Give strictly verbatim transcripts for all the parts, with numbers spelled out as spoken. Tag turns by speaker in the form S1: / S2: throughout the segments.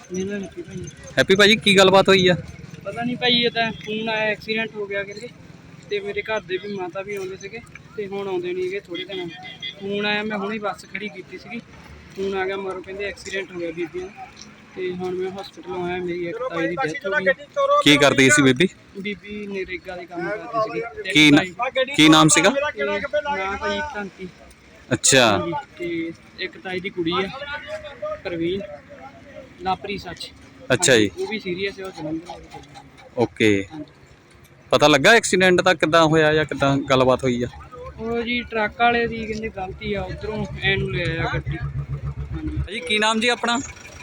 S1: मेरा नाम हैप्पी भाई।
S2: हैप्पी भाजी की गलबात हुई है?
S1: पता नहीं भाई ये तो फोन आया एक्सीडेंट हो गया करके ते मेरे घर दे भी माता भी आउंदे सीगे ते हुण आउंदे नहीं गे थोड़े दिन। फोन आया मैं हुणे बस खड़ी कीती सीगी, फोन आ गया मरो कहंदे एक्सीडेंट हो गया बीबियां ते हुण मैं हॉस्पिटल आया। मेरी एक ताई दी डेथ हो गई।
S2: की करदी सी बीबी?
S1: बीबी नरेगा दे काम करदी सीगी।
S2: की न, की नाम सीगा?
S1: नाम भाई क्रांति।
S2: अच्छा
S1: ते एक ताई दी कुड़ी है परवीन लापरी सच।
S2: अच्छा जी,
S1: वो भी सीरीयस है और जलंधर।
S2: ओके। पता लगा एक्सीडेंट का किद्दां होया या किद्दां गलबात हुई है?
S1: ਉਹ ਜੀ ਟਰੱਕ ਵਾਲੇ ਦੀ ਕਹਿੰਦੇ ਗਲਤੀ ਆ ਉਧਰੋਂ ਐਨ ਨੂੰ ਲੈ ਆਇਆ ਗੱਡੀ। ਹਾਂਜੀ
S2: ਭਾਜੀ ਕੀ ਨਾਮ ਜੀ ਆਪਣਾ?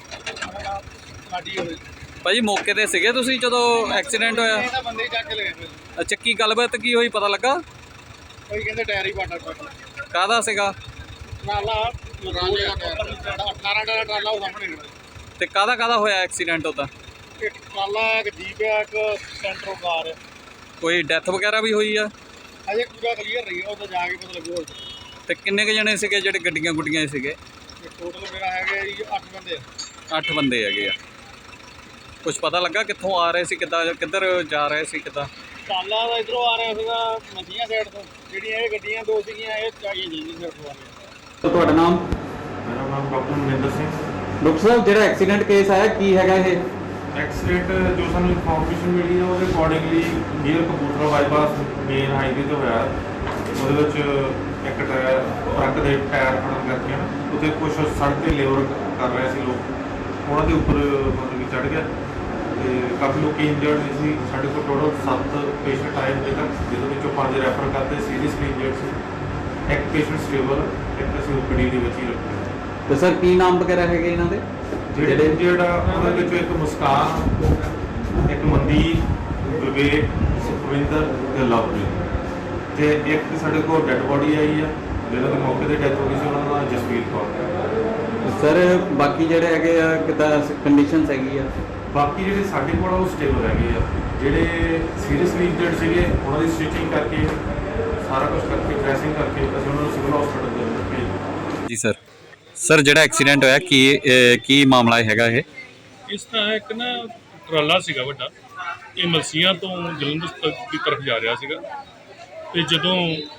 S1: ਸਾਡੀ ਹੋਵੇ
S2: ਭਾਜੀ ਮੌਕੇ ਤੇ ਸੀਗੇ ਤੁਸੀਂ ਜਦੋਂ ਐਕਸੀਡੈਂਟ ਹੋਇਆ?
S1: ਇਹਦਾ ਬੰਦੇ ਚੱਕ ਕੇ ਲੈ ਗਏ।
S2: ਅੱਛਾ ਕੀ ਗੱਲਬਾਤ ਕੀ ਹੋਈ ਪਤਾ ਲੱਗਾ?
S1: ਕੋਈ ਕਹਿੰਦੇ ਟਾਇਰ ਹੀ ਪਾਟਾ ਟਰੱਕ
S2: ਕਾਹਦਾ ਸੀਗਾ?
S1: ਟਰਾਲਾ ਰਾਂਝੇ ਦਾ ਟਾਇਰ ਅਠਾਰਾਂ ਦਾ ਟਰਾਲਾ ਉਹ ਸਾਹਮਣੇ ਖੜਾ।
S2: ਤੇ ਕਾਹਦਾ ਕਾਹਦਾ ਹੋਇਆ ਐਕਸੀਡੈਂਟ ਉਹਦਾ?
S1: ਇੱਕ ਟਰਾਲਾ ਇੱਕ ਜੀਪ ਆ ਇੱਕ ਸੈਂਟਰੋ ਕਾਰ ਆ।
S2: ਕੋਈ ਡੈਥ ਵਗੈਰਾ ਵੀ ਹੋਈ ਆ?
S1: ਅਜੇ ਪੂਰਾ ਕਲੀਅਰ ਰਹੀ ਆ, ਉਹ ਤਾਂ ਜਾ ਕੇ ਪਤਾ ਲੱਗੂ।
S2: ਤੇ ਕਿੰਨੇ ਕੁ ਜਣੇ ਸੀਗੇ ਜਿਹੜੇ ਗੱਡੀਆਂ ਗੁੱਡੀਆਂ ਸੀਗੇ?
S1: ਟੋਟਲ ਮੇਰਾ ਹੈਗਾ ਜੀ ਅੱਠ ਬੰਦੇ।
S2: ਅੱਠ ਬੰਦੇ ਹੈਗੇ ਆ। ਕੁਝ ਪਤਾ ਲੱਗਾ ਕਿੱਥੋਂ ਆ ਰਹੇ ਸੀ, ਕਿੱਦਾਂ ਕਿੱਧਰ ਜਾ ਰਹੇ ਸੀ, ਕਿੱਦਾਂ?
S1: ਟਰਾਲਾ ਦਾ ਇਧਰੋਂ ਆ ਰਿਹਾ ਸੀਗਾ ਮੱਝੀਆਂ ਸਾਈਡ ਤੋਂ, ਜਿਹੜੀਆਂ ਇਹ ਗੱਡੀਆਂ ਦੋ ਸੀਗੀਆਂ ਇਹ ਚਾਹੀਏ ਜੀ ਸਾਈਡ ਤੋਂ ਆ ਰਹੀਆਂ।
S2: ਤੁਹਾਡਾ ਨਾਮ?
S3: ਮੇਰਾ ਨਾਮ ਡਾਕਟਰ ਮਨਿੰਦਰ ਸਿੰਘ।
S2: ਡਾਕਟਰ ਸਾਹਿਬ ਜਿਹੜਾ ਐਕਸੀਡੈਂਟ ਕੇਸ ਆਇਆ ਕੀ ਹੈਗਾ ਇਹ?
S3: ਐਕਸੀਡੈਂਟ ਜੋ ਸਾਨੂੰ ਇਨਫੋਰਮੇਸ਼ਨ ਮਿਲੀ ਹੈ ਉਹਦੇ accordingly near Kapurthala bypass main highway ਤੇ ਹੋਇਆ। ਉਹਦੇ ਵਿੱਚ ਇੱਕ ਟਾਇਰ ਟਰੱਕ ਦੇ ਟਾਇਰ ਫਟਣ ਕਰਕੇ ਨਾ ਉੱਥੇ ਕੁਝ ਸੜਕ ਤੇ ਲੇਬਰ ਕਰ ਰਹੇ ਸੀ ਲੋਕ, ਉਹਨਾਂ ਦੇ ਉੱਪਰ ਮਤਲਬ ਕਿ ਚੜ੍ਹ ਗਿਆ ਤੇ ਕਾਫੀ ਲੋਕ ਇੰਜਰਡ ਸੀ। ਸਾਡੇ ਕੋਲ ਟੋਟਲ ਸੱਤ ਪੇਸ਼ੈਂਟ ਆਏ ਹੋਏ ਤੱਕ, ਜਿਹਦੇ ਵਿੱਚੋਂ ਪੰਜ ਰੈਫਰ ਕਰਦੇ ਸੀਰੀਅਸਲੀ ਇੰਜਰਡ ਸੀ। ਇੱਕ ਪੇਸ਼ੈਂਟ ਸਟੇਬਲ, ਇੱਕ ਅਸੀਂ ਓਪੀਡੀ ਦੇ ਵਿੱਚ ਹੀ ਰੱਖਿਆ।
S2: ਤੇ ਸਰ ਕੀ ਨਾਮ ਵਗੈਰਾ ਹੈਗੇ ਇਹਨਾਂ ਦੇ?
S3: ਜਿਹੜੇ ਜਿਹੜਾ ਉਹਦੇ ਵਿੱਚੋਂ ਇੱਕ ਮੁਸਕਾਨ, ਇੱਕ ਮਨਦੀਪ, ਵਿਵੇਕ, ਸੁਖਵਿੰਦਰ ਤੇ ਲਵਪ੍ਰੀਤ, ਤੇ ਇੱਕ ਸਾਡੇ ਕੋਲ ਡੈੱਡ ਬੋਡੀ ਆਈ ਆ ਜਿਹਨਾਂ ਦੇ ਮੌਕੇ ਤੇ ਡੈਥ ਹੋ ਗਈ ਸੀ, ਉਹਨਾਂ ਦਾ ਜਸਵੀਰ ਕੌਰ।
S2: ਸਰ ਬਾਕੀ ਜਿਹੜੇ ਹੈਗੇ ਆ ਕਿੱਦਾਂ ਕੰਡੀਸ਼ਨਸ ਹੈਗੀ ਆ?
S3: ਬਾਕੀ ਜਿਹੜੇ ਸਾਡੇ ਕੋਲ ਆ ਉਹ ਸਟੇਬਲ ਹੈਗੇ ਆ। ਜਿਹੜੇ ਸੀਰੀਅਸਲੀ ਇੰਜਰਡ ਸੀਗੇ ਉਹਨਾਂ ਦੀ ਸਟਿਚਿੰਗ ਕਰਕੇ ਸਾਰਾ ਕੁਝ ਕਰਕੇ ਡਰੈਸਿੰਗ ਕਰਕੇ ਅਸੀਂ ਉਹਨਾਂ ਨੂੰ ਸਿਵਲ ਹਸਪੀਟਲ ਦੇ ਵਿੱਚ ਭੇਜ।
S2: ਜੀ ਸਰ। ਸਰ ਜਿਹੜਾ ਐਕਸੀਡੈਂਟ ਹੋਇਆ ਕੀ ਕੀ ਮਾਮਲਾ ਹੈਗਾ ਇਹ?
S4: ਇਸ ਤਰ੍ਹਾਂ ਇੱਕ ਨਾ ਟਰਾਲਾ ਸੀਗਾ ਵੱਡਾ, ਇਹ ਮਲਸੀਆਂ ਤੋਂ ਜਲੰਧਰ ਦੀ ਤਰਫ ਜਾ ਰਿਹਾ ਸੀਗਾ ਤੇ ਜਦੋਂ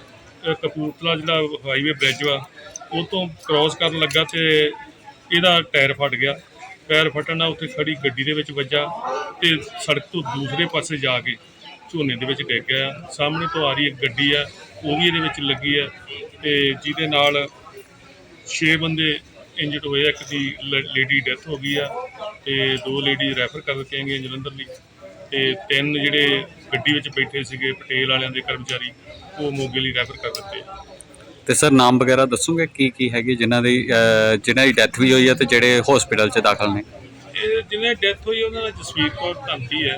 S4: ਕਪੂਰਥਲਾ ਜਿਹੜਾ ਹਾਈਵੇ ਬ੍ਰਿਜ ਵਾ ਉਹ ਤੋਂ ਕ੍ਰੋਸ ਕਰਨ ਲੱਗਾ ਤੇ ਇਹਦਾ ਟਾਇਰ ਫਟ ਗਿਆ। ਟਾਇਰ ਫਟਣ ਨਾਲ ਉੱਥੇ ਖੜੀ ਗੱਡੀ ਦੇ ਵਿੱਚ ਵੱਜਾ ਤੇ ਸੜਕ ਤੋਂ ਦੂਸਰੇ ਪਾਸੇ ਜਾ ਕੇ ਝੋਨੇ ਦੇ ਵਿੱਚ ਡਿੱਗ ਗਿਆ। ਸਾਹਮਣੇ ਤੋਂ ਆ ਰਹੀ ਇੱਕ ਗੱਡੀ ਆ ਉਹ ਵੀ ਇਹਦੇ ਵਿੱਚ ਲੱਗੀ ਆ ਤੇ ਜਿਹਦੇ ਨਾਲ ਛੇ ਬੰਦੇ ਇੰਜਰਡ ਹੋਏ। ਇੱਕ ਦੀ ਲੇਡੀ ਡੈਥ ਹੋ ਗਈ ਆ ਤੇ ਦੋ ਲੇਡੀ ਰੈਫਰ ਕਰ ਦਿੱਤੀਆਂ ਗਈਆਂ ਜਲੰਧਰ ਲਈ ਤੇ ਤਿੰਨ ਜਿਹੜੇ ਗੱਡੀ ਵਿੱਚ ਬੈਠੇ ਸੀਗੇ ਪਟੇਲ ਵਾਲਿਆਂ ਦੇ ਕਰਮਚਾਰੀ ਉਹ ਮੋਗੇ ਲਈ ਰੈਫਰ ਕਰ ਦਿੱਤੇ।
S2: ਤੇ ਸਰ ਨਾਮ ਵਗੈਰਾ ਦੱਸੋਗੇ ਕੀ ਕੀ ਹੈਗੇ ਜਿਨ੍ਹਾਂ ਦੀ ਜਿਨ੍ਹਾਂ ਦੀ ਡੈਥ ਵੀ ਹੋਈ ਹੈ ਤੇ ਜਿਹੜੇ ਹਸਪੀਟਲ 'ਚ ਦਾਖਲ ਨੇ?
S4: ਇਹ ਜਿਹਨੇ ਡੈਥ ਹੋਈ ਉਹਨਾਂ ਦਾ ਜਸਵੀਰ ਕੌਰ ਧੰਤੀ ਹੈ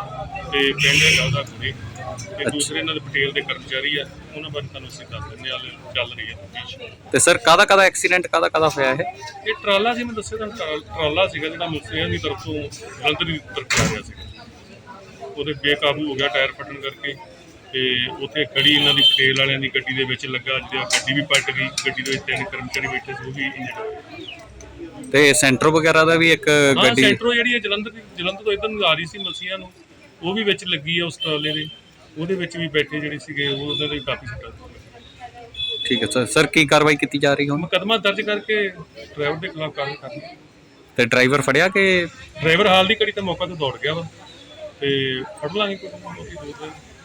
S4: ਤੇ ਪਿੰਡ ਹੈਗਾ ਉਹਦਾ ਕੁੜੀ, ਤੇ ਦੂਸਰੇ ਇਹਨਾਂ ਦੇ ਪਟੇਲ ਦੇ ਕਰਮਚਾਰੀ ਆ। ਉਹਨਾਂ ਬਾਰੇ ਤੁਹਾਨੂੰ ਅਸੀਂ ਦੱਸ ਦਿੰਦੇ ਹਾਂ, ਚੱਲ ਰਹੀ ਹੈ ਤਫਤੀਸ਼।
S2: ਤੇ ਸਰ ਕਾਹਦਾ ਕਾਹਦਾ ਐਕਸੀਡੈਂਟ ਕਾਹਦਾ ਕਾਹਦਾ ਹੋਇਆ ਇਹ?
S4: ਇਹ ਟਰਾਲਾ ਸੀ, ਮੈਂ ਦੱਸਿਆ ਤੁਹਾਨੂੰ ਟਰਾਲਾ ਸੀਗਾ ਜਿਹੜਾ ਮੁਸਲਿਆਂ ਦੀ ਤਰਫ ਤੋਂ ਜਲੰਧਰ ਦੀ ਤਰਫ ਆ ਰਿਹਾ ਸੀ। ਉਹਦੇ ਬੇਕਾਬੂ ਹੋ ਗਿਆ ਟਾਇਰ ਫਟਣ ਕਰਕੇ ਤੇ ਉੱਥੇ ਖੜੀ ਇਹਨਾਂ ਦੀ ਪਟੇਲ ਵਾਲਿਆਂ ਦੀ ਗੱਡੀ ਦੇ ਵਿੱਚ ਲੱਗਾ, ਜਿਹੜਾ ਗੱਡੀ ਵੀ ਪਲਟ ਗਈ। ਗੱਡੀ ਦੇ ਵਿੱਚ ਤਿੰਨ ਕਰਮਚਾਰੀ ਬੈਠੇ ਸੀ ਉਹ ਵੀ ਇੰਜਰਡ ਹੋਏ।
S2: ਤੇ ਸੈਂਟਰ ਵਗੈਰਾ ਦਾ ਵੀ ਇੱਕ ਗੱਡੀ
S4: ਸੈਂਟਰੋ ਜਿਹੜੀ ਹੈ ਜਲੰਧਰ ਜਲੰਧਰ ਤੋਂ ਇੱਧਰ ਨੂੰ ਆ ਰਹੀ ਸੀ ਮਲਸੀਆਂ ਨੂੰ, ਉਹ ਵੀ ਵਿੱਚ ਲੱਗੀ ਆ ਉਸ ਟਰਾਲੇ ਦੇ। ਉਹਦੇ ਵਿੱਚ ਵੀ ਬੈਠੇ ਜਿਹੜੇ ਸੀਗੇ ਉਹ ਉਹਨਾਂ ਦੇ ਕਾਫੀ ਸੱਟਾਂ।
S2: ਠੀਕ ਹੈ ਸਰ। ਸਰ ਕੀ ਕਾਰਵਾਈ ਕੀਤੀ ਜਾ ਰਹੀ ਹੁਣ?
S4: ਮੁਕੱਦਮਾ ਦਰਜ ਕਰਕੇ ਡਰਾਈਵਰ ਦੇ ਖਿਲਾਫ ਕਾਰਵਾਈ ਕਰਨੀ।
S2: ਤੇ ਡਰਾਈਵਰ ਫੜਿਆ ਕਿ?
S4: ਡਰਾਈਵਰ ਹਾਲ ਦੀ ਘੜੀ ਤੇ ਮੌਕਾ ਤੇ ਦੌੜ ਗਿਆ ਵਾ ਤੇ ਫੜ ਲਾਂਗੇ ਕੋਈ।